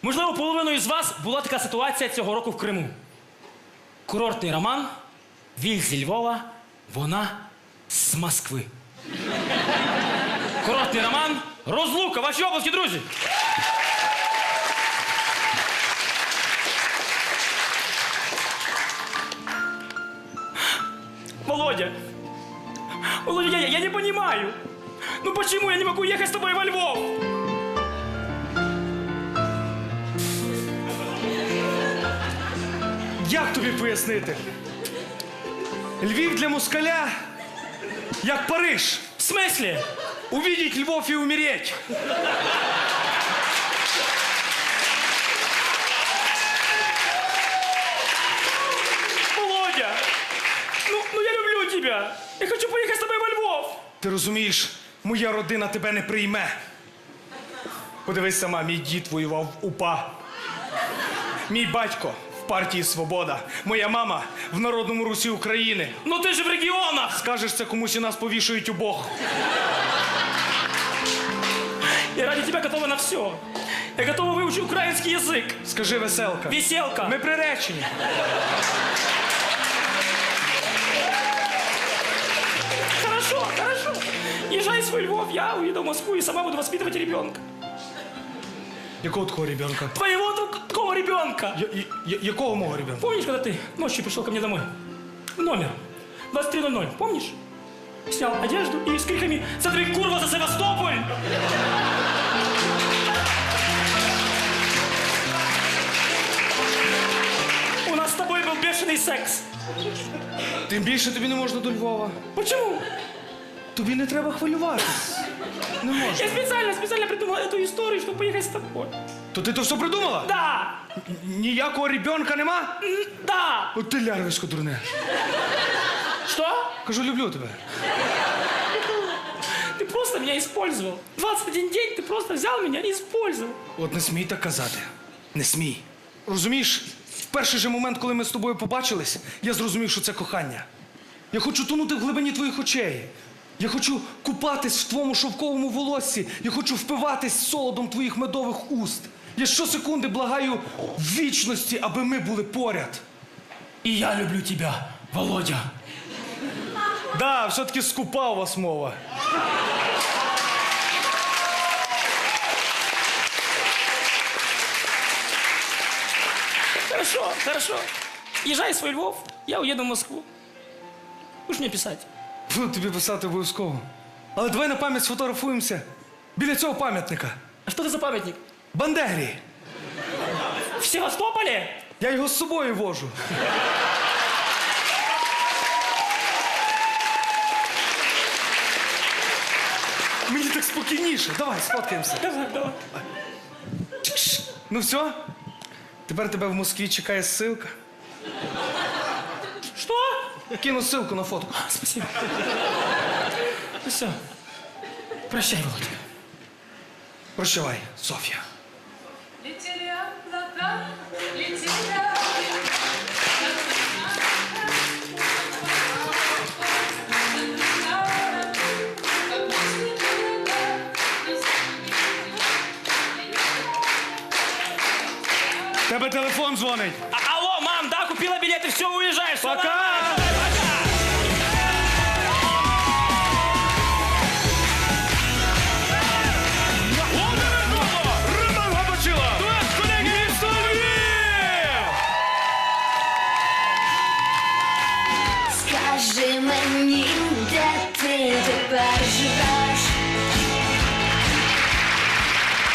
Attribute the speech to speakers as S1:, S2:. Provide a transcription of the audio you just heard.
S1: Можливо, половиною з вас була така ситуація цього року в Криму. Курортний роман, він зі Львова, вона з Москви. Курортний роман, розлука, ваші обласки, друзі! Володя, Володя, я не понимаю. Ну почему я не могу ехать с тобой во Львов?
S2: Як тобі пояснити? Львів для москаля, як Париж.
S1: В смысле?
S2: Увидеть Львов и умереть.
S1: Володя, ну я люблю тебя. Я хочу поехать с тобой во Львов.
S2: Ти розумієш, моя родина тебе не прийме. Подивись сама, мій дід воював в УПА. Мій батько в партії «Свобода». Моя мама в Народному Русі України.
S1: Ну ты же в регионах.
S2: Скажеш це комусь і нас повішують обох.
S1: Я ради тебя готова на все. Я готова выучить украинский язык.
S2: Скажи, веселка.
S1: Веселка.
S2: Ми приречені.
S1: Хорошо, хорошо. Езжай в свой Львов, я уеду в Москву и сама буду воспитывать ребенка.
S2: Якого такого ребенка?
S1: Твоего такого ребенка.
S2: Якого мого ребенка?
S1: Помнишь, когда ты ночью пришел ко мне домой? В номер. 23:00, помнишь? Снял одежду и с криками «Смотри, курва, за Севастополь!» У нас с тобой был бешеный секс.
S2: Тим більше тобі не можна до Львова.
S1: Почему?
S2: Тобі не треба хвилюватись. Не можна.
S1: Я специально придумала эту историю, чтобы поехать с тобой.
S2: То ти то все придумала?
S1: Да!
S2: Ніякого ребенка нема?
S1: Да!
S2: От ти лярвисько дурне.
S1: Что?
S2: Кажу, люблю тебе.
S1: Ты просто меня использовал. 21 день ты просто взял меня и использовал.
S2: От не смій так казати. Не смій. Розумієш, в перший же момент, коли ми з тобою побачились, я зрозумів, що це кохання. Я хочу тонути в глибині твоїх очей. Я хочу купатись в твоєму шовковому волоссі. Я хочу впиватись солодом твоїх медових уст. Я щосекунди благаю вічності, аби ми були поряд.
S1: И я люблю тебя, Володя.
S2: Да, все-таки скупа у вас мова.
S1: Хорошо, хорошо. Езжай в свой Львов, я уеду в Москву. Будешь мне писать?
S2: Буду тобі писати обов'язково. Але давай на пам'ять сфотографуємося біля цього пам'ятника.
S1: А что это за памятник?
S2: Бандері.
S1: В Севастополе?
S2: Я його з собою вожу. Мені так спокійніше. Давай, сфоткаємося.
S1: Давай.
S2: Ну все? Тепер тебе в Москві чекає ссылка.
S1: Что?
S2: Кину ссылку на фотку.
S1: Спасибо. Ну все. Прощай, Володя.
S2: Прощавай, Соф'я.
S3: Летели облака, летели.
S2: Тебе телефон дзвонить.
S1: Алло, мам, да, купила билеты, все, уезжаешь. Всё
S2: Пока.
S1: нормально, давай, пока.
S2: Роман Габачила!
S1: Дуэт, колеги,
S2: Місто Львів!
S4: Скажи мені,